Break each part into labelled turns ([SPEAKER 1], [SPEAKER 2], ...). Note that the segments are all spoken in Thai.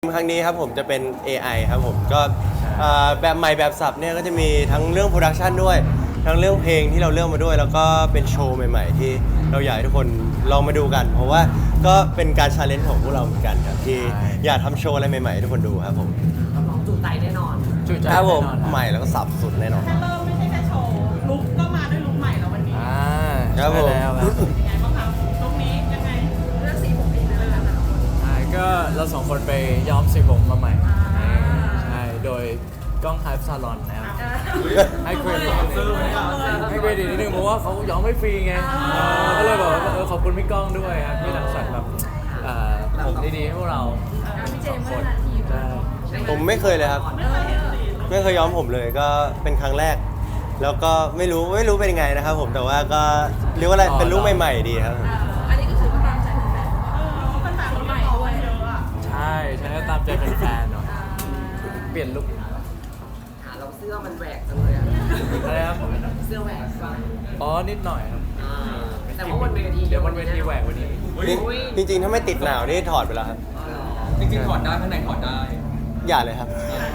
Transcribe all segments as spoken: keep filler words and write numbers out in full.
[SPEAKER 1] ครั้งนี้ครับผมจะเป็น เอ ไอ ครับผมก็แบบใหม่แบบสับเนี่ยก็จะมีทั้งเรื่องโปรดักชันด้วยทั้งเรื่องเพลงที่เราเลือกมาด้วยแล้วก็เป็นโชว์ใหม่ๆที่เราอยากให้ทุกคนลองมาดูกันเพราะว่าก็เป็นการชาเลนจ์ของพวกเราเหมือนกันครับที่อยากทำโชว์อะไรใหม่ๆให้ทุกคนดูครับผม
[SPEAKER 2] รับรองจุใจแน่นอน
[SPEAKER 3] จุใจ
[SPEAKER 1] ครับผม
[SPEAKER 3] แน่นอน
[SPEAKER 1] ใหม่แล้วก็สับสุดแน่นอน
[SPEAKER 4] แค่เริ่มไม่ใช่แค่โชว์ลุคก็มาด้วยลุคใหม่แล้ววันนี้
[SPEAKER 3] อ่า
[SPEAKER 1] ครับผม
[SPEAKER 3] ใช่แล้วครับ
[SPEAKER 4] ยังไงบ้างครับลุคนี้ยังไงเลือกสีผมเองเลยนะ
[SPEAKER 3] ใช่ก็เราสองคนไปย้อมสีผมมาใหม่ใช่โดยกล้องไฮฟ์ซาลอนนะครับให้เครดิตให้เครดิตนิดนึงเพราะว่าเขาย้อมไม่ฟรีไงเออก็เลยบอกว่าเออขอบคุณพี่ก้องด้วยครับที่รังสรรค์แบบเอ่อผมดีๆให้พวกเราสองคนใช่
[SPEAKER 1] ผมไม่เคยเลยครับไม่เคยย้อมผมเลยก็เป็นครั้งแรก แล้วก็ไม่รู้ไม่รู้เป็นยังไงนะครับผมแต่ว่าก็เรียกว่าอะไรเป็นลุคใหม่ๆดีครับผม
[SPEAKER 4] อันนี้ก็คือว่าตามใจแฟนๆเออเป็นแบบใหม่ด้วยเยอะอ่ะ
[SPEAKER 3] ใช่ใช่ก็ตามใจแฟนๆเนาะเปลี่ยนลุค
[SPEAKER 2] หาเราเสื้อมันแหวกจังเลยอะ
[SPEAKER 3] อะไรครับ
[SPEAKER 2] เสื้อแหวกป่ะ
[SPEAKER 3] อ๋อนิดหน่อยครับ
[SPEAKER 2] อ่าแต่ว่าบนเวที
[SPEAKER 3] เดี๋ยวบนเวทีแหวกวันนี้
[SPEAKER 1] จริงจริงๆถ้าไม่ติดหนาวนี่ถอดไปแล้วครับ
[SPEAKER 2] อ๋อเหรอ
[SPEAKER 5] จริงๆถอดได้ข้างในถอดได้
[SPEAKER 1] อย่าเลยครับ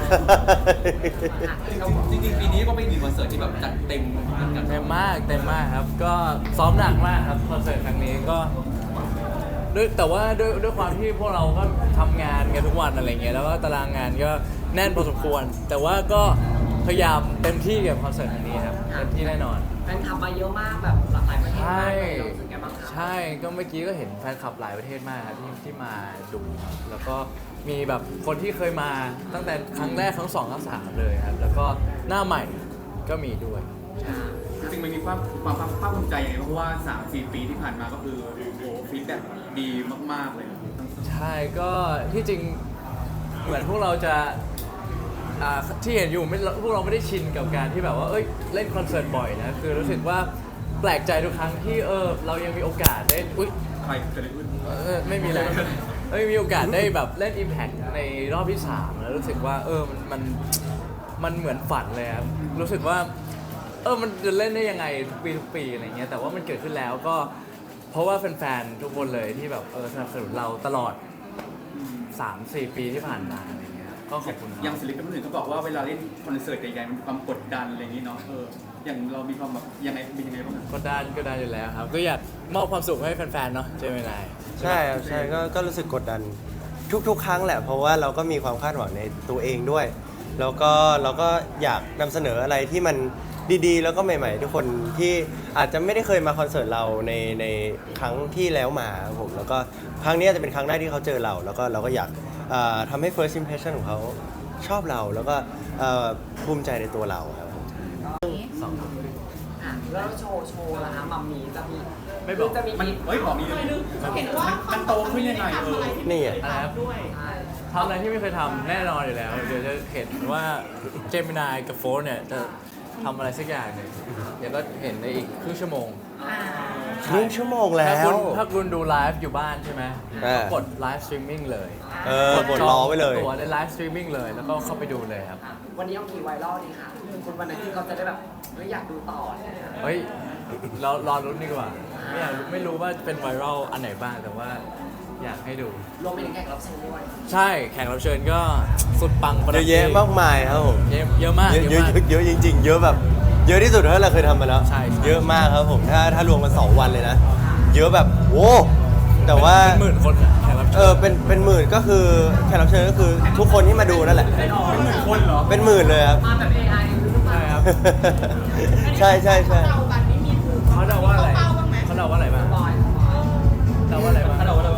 [SPEAKER 5] จริงๆปีนี้ก็เป็นหนึ่งคอนเสิร์ตที่แบบจัดเต็มเหมือนกัน
[SPEAKER 3] เต็มมากเต็มมากครับ ก็ซ้อมหนักมากครับคอนเสิร์ตครั้งนี้ก็ด้วยแต่ว่าด้วยด้วยความที่พวกเราก็ทำงานกันทุกวันอะไรเงี้ยแล้วก็ตารางงานก็แน่นพอสมควร แต่ว่าก็พยายามเต็มที่กับคอนเสิร์ตครั้งนี้ครับเต็มที่แน่นอน
[SPEAKER 2] แฟนคลับมาเยอะมากแบบหลากหลายประเทศ
[SPEAKER 3] ใช่
[SPEAKER 2] มากเลยเรารู้สึกไงบ้างคะ
[SPEAKER 3] ใช่ก็เมื่อกี้ก็เห็นแฟนคลับหลายประเทศมากครับที่ที่มาดูครับแล้วก็มีแบบคนที่เคยมาตั้งแต่ครั้งแรกครั้งสองครั้งสามเลยครับแล้วก็หน้าใหม่ก็มีด้วย
[SPEAKER 5] จริงๆมันมีความความภาคภูมิใจยังไงเพราะว่าสามสี่ปีที่ผ่านมาก็คือโอ้โหฟีดแบ็กดีมากๆเลย
[SPEAKER 3] ใช่ก็ที่จริงเหมือนพวกเราจะอ่าที่เห็นอยู่ไม่พวกเราไม่ได้ชินกับการที่แบบว่าเอ้ยเล่นคอนเสิร์ตบ่อยนะคือรู้สึกว่าแปลกใจทุกครั้งที่เออเรายังมีโอกาสได้อุ้ย
[SPEAKER 5] ใครจะได้ขึ้น
[SPEAKER 3] เออไม่มีอะไรไม่มีโอกาสได้แบบเล่น Impact ในรอบที่สามแล้วรู้สึกว่าเออมันมันมันเหมือนฝันเลยครับรู้สึกว่าเออมันจะเล่นได้ยังไงทุกปีทุกปีอะไรเงี้ยแต่ว่ามันเกิดขึ้นแล้วก็เพราะว่าแฟนๆทุกคนเลยที่แบบเออสนับสนุนเราตลอด สามสี่ ปีที่ผ่านมาอะไรเงี้ยก็ขอบคุณ
[SPEAKER 5] อย่างศิลปินคนอื่นเขาบอกว่าเวลาเล่นคอนเสิร์ตใหญ่ๆมันมีความกดดันอะไรอย่างนี้เนาะเอออย่างเรามีความแบบยังไงเป็นยังไงบ้างอะ
[SPEAKER 3] ก็ได้ก็ได้อยู่แล้วครับ ก็อยากมอบความสุขให้แฟนๆเนาะใช่ไหมนาย
[SPEAKER 1] ใช่ครับใช่ก็ก็รู้สึกกดดันทุกๆ ครั้งแหละ เพราะว่าเราก็มีความคาดหวังในตัวเองด้วย แล้วก็เราก็อยากนำเสนออะไรที่มันดีๆ แล้วก็ใหม่ๆ ทุกคนที่อาจจะไม่ได้เคยมาคอนเสิร์ตเราในในครั้งที่แล้วมาครับผมแล้วก็ครั้งนี้จะเป็นครั้งแรกที่เขาเจอเรา แล้วก็เราก็อยากเอ่อทำให้ first impression ของเขาชอบเราแล้วก็เอ่อภูมิใจในตัวเราครับผม
[SPEAKER 3] สองคน
[SPEAKER 2] อ่ะแล้วโชว์โชว์ล่ะคะมัมมี่จะมี
[SPEAKER 3] ไม่บอก
[SPEAKER 2] จะมี
[SPEAKER 5] มัน
[SPEAKER 2] มี
[SPEAKER 5] เฮ้ยบอกมี
[SPEAKER 4] เห็นว่า
[SPEAKER 5] มันโตขึ้นยังไงเออ
[SPEAKER 1] นี่ไง
[SPEAKER 3] อะไรครับ
[SPEAKER 4] ด้วย
[SPEAKER 2] ใช่
[SPEAKER 3] ทำอะไรที่ไม่เคยทำแน่นอนอยู่แล้ว เดี๋ยวจะเห็นว่าเจมินายกับโฟร์เนี่ยจะทำอะไรสักอย่างหนึ่งเดี๋ยวก็เห็นในอีกครึ่งชั่วโมง
[SPEAKER 1] ครึ่งชั่วโมงแล้
[SPEAKER 3] ถ้าว คุณถ้าคุณดูไลฟ์อยู่บ้านใช่ไหม
[SPEAKER 1] เออ
[SPEAKER 3] ก็กดไลฟ์สตรีมมิ่งเลย
[SPEAKER 1] เออกดรอไว้เลย
[SPEAKER 3] ตัวในไลฟ์สตรีมมิ่งเลยแล้วก็เข้าไปดูเลยครับ
[SPEAKER 2] อ่ะวันนี้เอากี่ไวรัลดีคะคุณวันไหนที่เขาจะได้แบบไม่อยากดูต่อเนี่ย
[SPEAKER 3] เฮ้ยเรารอรุ้นดีกว่า ไม่อยากรู้ไม่รู้ว่าเป็นไวรัลอันไหนบ้างแต่ว่าอยากให้ดู
[SPEAKER 2] รวมไปถึงแขกรับเชิญด้วย
[SPEAKER 3] ใช่แขกรับเชิญก็สุดปังประ
[SPEAKER 1] เย
[SPEAKER 3] ดับ
[SPEAKER 1] อะแยะมากมายครับผม
[SPEAKER 3] เยอะเยอะมาก
[SPEAKER 1] เยอะ
[SPEAKER 3] เย
[SPEAKER 1] เย
[SPEAKER 3] อะ
[SPEAKER 1] อะ
[SPEAKER 3] มาก
[SPEAKER 1] เยอะจริงๆ เยอะแบบ เยอะที่สุดเท่าที่เราเคยทำมาแล้ว
[SPEAKER 3] ใช่ใช่
[SPEAKER 1] เยอะมากครับผมถ้าถ้ารวมกันสองวันเลยนะ เยอะแบบโอ้แต่ว่า
[SPEAKER 3] เป็นหมื่นคนอะแขกรับ
[SPEAKER 1] เอ
[SPEAKER 3] เชิ
[SPEAKER 1] อ
[SPEAKER 3] ญ
[SPEAKER 1] เป็นเป็นหมื่นก็คือแขกรับเชิญก็คือทุกคนที่มาดูนั่นแหละ
[SPEAKER 5] เป็นหมื่นคนเหรอ
[SPEAKER 1] เป็นหมื่นเลยครับ
[SPEAKER 2] มาแบบ เอ ไอ หรือเปล่า
[SPEAKER 3] ใช่ครับ
[SPEAKER 1] ใช่ใช่ใช่
[SPEAKER 4] เรากันนี่มีถูก
[SPEAKER 3] เขาเดาว่าอะไร
[SPEAKER 4] เป้าบ้างไหม
[SPEAKER 3] เขาเดาว่าอะไรบ้าง
[SPEAKER 2] บอย
[SPEAKER 3] เดาว่าอะไรบ้าง
[SPEAKER 5] ถ้าเราว่าเรา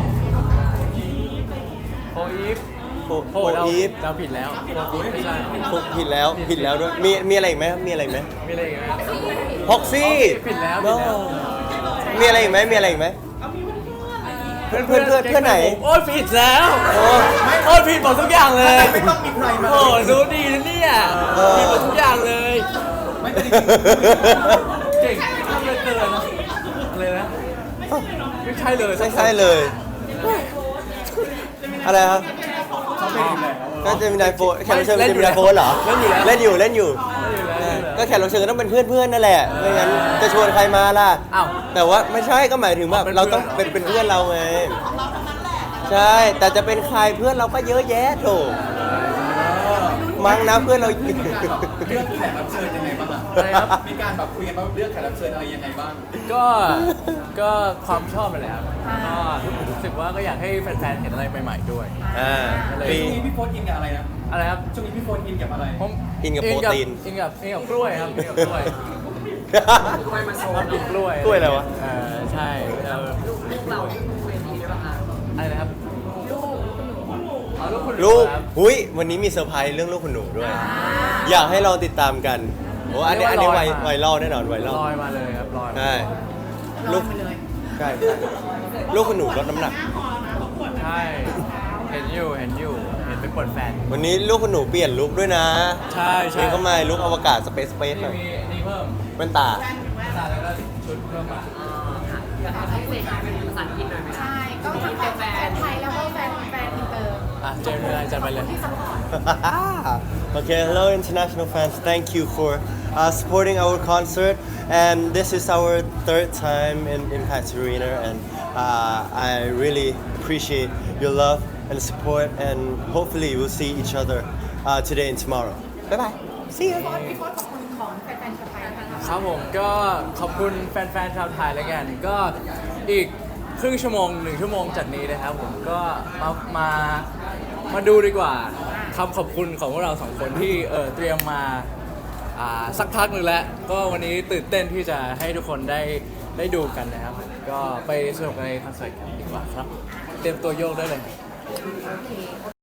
[SPEAKER 3] โฟอีฟ
[SPEAKER 1] โฟ
[SPEAKER 3] โฟ
[SPEAKER 1] โฟ
[SPEAKER 3] เดา
[SPEAKER 1] อีฟ
[SPEAKER 3] เดาผิดแล้วโฟอีฟไม่ใช่
[SPEAKER 1] โฟผิดแล้วผิดแล้วด้วยมีมีอะไรอีกไหมมีอะไรอีกไหม
[SPEAKER 3] มีอะไรอีกไหม
[SPEAKER 1] พ็อกซี่
[SPEAKER 3] ผิดแล้วผิดแล้ว
[SPEAKER 1] มีอะไรอีกไหมมีอะไรอีกไหม
[SPEAKER 4] เอามีเพื่อนๆอะไรอย่างงี้
[SPEAKER 1] เพื่อนเพื่อนเพื่อนเพื่อนไหน
[SPEAKER 3] โอ้ยผิดแล้ว
[SPEAKER 1] โอ้
[SPEAKER 3] โอ้ยผิดหมดทุกอย่างเลย
[SPEAKER 5] ไม่ต้องมีใครมา
[SPEAKER 3] โอ้ยรู้ดีนะเนี่ย
[SPEAKER 1] เออ
[SPEAKER 3] ผิดหมดทุกอย่างเลย
[SPEAKER 5] ไม่ได้
[SPEAKER 3] เก่งทำเลยเกินนะเลยนะไม่ใช่เลย
[SPEAKER 1] ใช่ใช่เลย อะไรครับ
[SPEAKER 5] เขาเป็นอยู่แล้ว
[SPEAKER 1] ก็จะมีนายโฟนแขกรับเชิญจะมีนายโฟนเหรอ
[SPEAKER 3] เล่นอยู่แล้ว
[SPEAKER 1] เล่นอยู่เล่นอยู่
[SPEAKER 3] เล่นอยู่แล้ว
[SPEAKER 1] ก็แขกรับเชิญก็ต้องเป็นเพื่อนเพื่อนๆนั่นแหละไม่งั้นจะชวนใครมาล่ะ
[SPEAKER 3] อ้าว
[SPEAKER 1] แต่ว่าไม่ใช่ก็หมายถึงแบบ
[SPEAKER 3] เป็นเพื่อน
[SPEAKER 1] เราต้องเป็นเป็นเพื่อนเราไง
[SPEAKER 4] ของเราทั้งนั้นแหละ
[SPEAKER 1] ใช่ แต่จะเป็นใครเพื่อนเราก็เยอะแยะโถมั้งนะเพื่อนเรา
[SPEAKER 5] มีการแบบเลือกแขกรับเชิญยังไงบ้างอะ
[SPEAKER 3] อะไรครับ
[SPEAKER 5] มีการแบบคุยกันว่าเลือกแขกรับเชิญอะไรยังไงบ้าง
[SPEAKER 3] ก็ก็ความชอบนั่นแหละครับก็รู้สึกว่าก็อยากให้แฟนๆเห็นอะไรใหม่ๆด้วย
[SPEAKER 1] อ่า
[SPEAKER 3] อะไร
[SPEAKER 1] ปี
[SPEAKER 5] ช่วงนี้พี่โฟนอินกับอะไรนะ
[SPEAKER 3] อะไรครับ
[SPEAKER 5] ช่วงนี้พี่โฟนอินกับอะไร
[SPEAKER 3] ผม
[SPEAKER 1] กินกับโปรตีน
[SPEAKER 3] กินกับกินกับกล้วยครับกินกับกล้วย
[SPEAKER 2] กล้วยมาโชว์
[SPEAKER 3] ชอบกินกล้วย
[SPEAKER 1] กล้วยอะไรวะ
[SPEAKER 3] เออใช่เออ
[SPEAKER 2] ลูกลูกเราเวทีด้วยป่ะคะ
[SPEAKER 3] อะไรนะครับ
[SPEAKER 2] ลูก
[SPEAKER 3] อ๋อลูกคุณ
[SPEAKER 1] ลูก
[SPEAKER 3] ครับ
[SPEAKER 1] หุยวันนี้มีเซอร์ไพรส์เรื่องลูกคุณหนูด้วย อยากให้ลองติดตามกันโอ้อันนี้อันนี้ไวไวรัลแน่นอนไวรัล
[SPEAKER 3] ลอยมาเลยครับลอยมา
[SPEAKER 1] ใช่ลูกใช่ใช่ลูกคุณหนูลดน้ำหนัก
[SPEAKER 3] ใช่เห็นอยู่เห็นอยู่เห็นไปปวดแฟน
[SPEAKER 1] วันนี้ลูกคุณหนูเปลี่ยนลุคด้วยนะ
[SPEAKER 3] ใช่ใช่
[SPEAKER 1] นี่เข้ามาลุคอวกาศสเปซสเปซหน่อย
[SPEAKER 3] มีอันนี้เพิ่ม
[SPEAKER 1] แว่นตา
[SPEAKER 3] ตาแล้วก็ชุดเพิ่มมา
[SPEAKER 2] อ่าค่ะอยากให้เซนเป็นภาษาอังกฤษหน่อยไหมคะ
[SPEAKER 4] ใช่ก็ทั้งแฟนแฟนไทยแล้วก็แฟนแฟนอินเตอร์
[SPEAKER 3] อ่ะเจมส์เลยจัดไปเลย
[SPEAKER 4] ที่ซัพพอร์ต
[SPEAKER 1] Okay, hello international fans. Thank you for uh, supporting our concert. And this is our third time in Impact Arena, and uh, I really appreciate your love and support. And hopefully, we'll see each other uh, today and tomorrow. Bye bye. See you.
[SPEAKER 4] พี่โค้ชขอบคุณของแฟนๆชาวไทยนะคะ
[SPEAKER 3] ครับผมก็ขอบคุณแฟนๆชาวไทยแล้วกัน ก็อีกครึ่งชั่วโมงหนึ่งชั่วโมงจากนี้นะครับผมก็มามามาดูดีกว่าคำขอบคุณของพวกเราสองคนที่เออเตรียมมาอ่าสักพักหนึ่งแล้ว ก็วันนี้ตื่นเต้นที่จะให้ทุกคนได้ได้ดูกันนะครับ ก็ไปสนุกในคอนเสิร์ตกันดีกว่าครับ เตรียมตัวโยกได้เลย